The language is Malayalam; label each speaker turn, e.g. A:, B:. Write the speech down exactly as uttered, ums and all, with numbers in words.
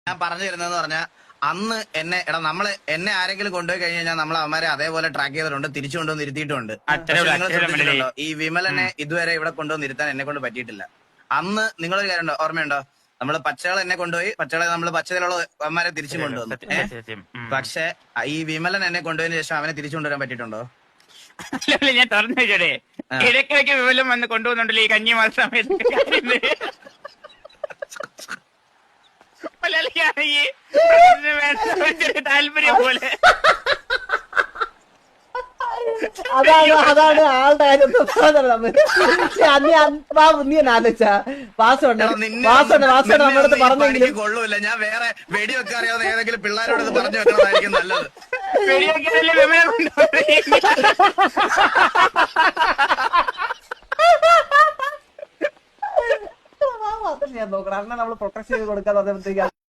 A: ഞാൻ പറഞ്ഞു തരുന്നതെന്ന് പറഞ്ഞാൽ അന്ന് എന്നെ എടാ നമ്മള് എന്നെ ആരെങ്കിലും കൊണ്ടുപോയി കഴിഞ്ഞ് കഴിഞ്ഞാൽ നമ്മൾ അവന്മാരെ അതേപോലെ ട്രാക്ക് ചെയ്തിട്ടുണ്ട് തിരിച്ചു കൊണ്ടുവന്ന് ഇരുത്തിയിട്ടുണ്ട്. നിങ്ങൾ ശ്രദ്ധിച്ചിട്ടുണ്ടോ ഈ വിമലനെ ഇതുവരെ ഇവിടെ കൊണ്ടുവന്ന് ഇരുത്താൻ എന്നെ കൊണ്ട് പറ്റിയിട്ടില്ല. അന്ന് നിങ്ങളൊരു കാര്യം ഉണ്ടോ ഓർമ്മയുണ്ടോ, നമ്മള് പച്ചകളെ എന്നെ കൊണ്ടുപോയി പച്ചകളെ നമ്മള് പച്ചയിലുള്ള അവന്മാരെ തിരിച്ചു കൊണ്ടുവന്നു. പക്ഷെ ഈ വിമലൻ എന്നെ കൊണ്ടുപോയതിനു ശേഷം അവനെ തിരിച്ചു കൊണ്ടുവരാൻ പറ്റിയിട്ടുണ്ടോ?
B: ഞാൻ തുറന്നു വെച്ചോടെ ഇടയ്ക്കിടയ്ക്ക് വിമലം വന്ന് കൊണ്ടുപോകുന്നുണ്ടല്ലോ ഈ കഞ്ഞിമാസ സമയത്ത്. താല്പര്യം പോലെ
C: അതാണ് അതാണ് ആളുടെ കാര്യം. നീ ആലോചിച്ച വാസുണ്ട് വാസുണ്ട് വാസുണ്ട് നമ്മുടെ അടുത്ത് പറഞ്ഞെങ്കിലും
A: കൊള്ളൂല. ഞാൻ വേറെ വെടിവെക്കാൻ അറിയാവുന്ന ഏതെങ്കിലും പിള്ളേരോട് പറഞ്ഞു വെക്കണതായിരിക്കും നല്ലത്.
B: വെടിവെക്കാനല്ലേ വിമലം
C: ഞാൻ നോക്കണം. അണ്ണൻ നമ്മള് പ്രൊട്ടക്ട് ചെയ്ത് കൊടുക്കാതെ